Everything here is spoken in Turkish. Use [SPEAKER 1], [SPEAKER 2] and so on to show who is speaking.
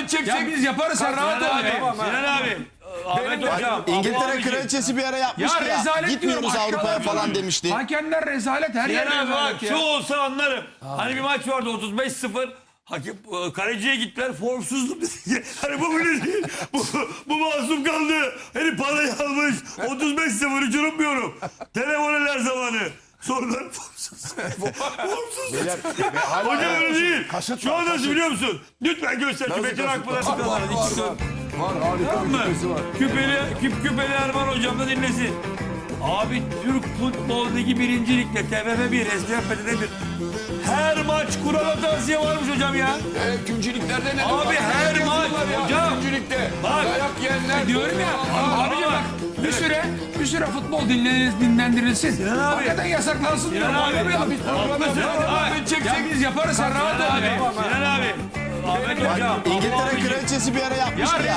[SPEAKER 1] çekecek.
[SPEAKER 2] Ya biz yaparız sen rahat ol.
[SPEAKER 3] Sinan abi. Ahmet hocam.
[SPEAKER 4] İngiltere kraliçesi bir ara yapmıştı
[SPEAKER 2] Ya
[SPEAKER 4] ya.
[SPEAKER 2] rezalet
[SPEAKER 4] Gitmiyoruz
[SPEAKER 2] diyorum,
[SPEAKER 4] Avrupa'ya
[SPEAKER 2] aşağıda
[SPEAKER 4] falan
[SPEAKER 2] diyorum.
[SPEAKER 4] demişti.
[SPEAKER 2] Hakemler rezalet, her yer
[SPEAKER 3] Sinan abi bak
[SPEAKER 2] rezalet
[SPEAKER 3] şu
[SPEAKER 2] ya.
[SPEAKER 3] olsa anlarım. Hani bir maç vardı 35-0. Hakim kaleciye gittiler formsuzluk dedi. Hani bu bile değil. Bu masum kaldı. Hani parayı almış. 35-0 hiç unutmuyorum. Telefon eder zamanı. Sorular formsuz. Formsuz. Hocam öyle değil. Şu an nasıl biliyor musun? Lütfen göster. Metin Akpınar çıkarlar.
[SPEAKER 1] Var harika
[SPEAKER 3] Tamam
[SPEAKER 1] bir
[SPEAKER 3] mı?
[SPEAKER 1] küpesi var.
[SPEAKER 3] Küpeli Erman hocam da dinlesin. Abi Türk Futbol Ligi 1. Lig'de TFF 1, eskiden FT'de 1. Her maç kural hatası varmış hocam ya.
[SPEAKER 1] Üçüncülüklerde ne?
[SPEAKER 3] Abi her maç hocam.
[SPEAKER 1] Üçüncülükte.
[SPEAKER 3] Bak.
[SPEAKER 1] Dayak yiyenler.
[SPEAKER 2] Diyorum ya.
[SPEAKER 3] Ama
[SPEAKER 2] Abicim
[SPEAKER 3] bak.
[SPEAKER 2] bak bir süre futbol dinlendirilsin.
[SPEAKER 3] Sinan abi.
[SPEAKER 2] Hakikaten yasaklansın diyorum.
[SPEAKER 3] Sinan abi.
[SPEAKER 2] Oynamayalım.
[SPEAKER 1] Biz program yapıyoruz.
[SPEAKER 2] Ya biz yaparız sen rahat ol.
[SPEAKER 3] Sinan abi. Ahmet hocam.
[SPEAKER 4] İngiltere kraliçesi bir ara yapmıştı ya.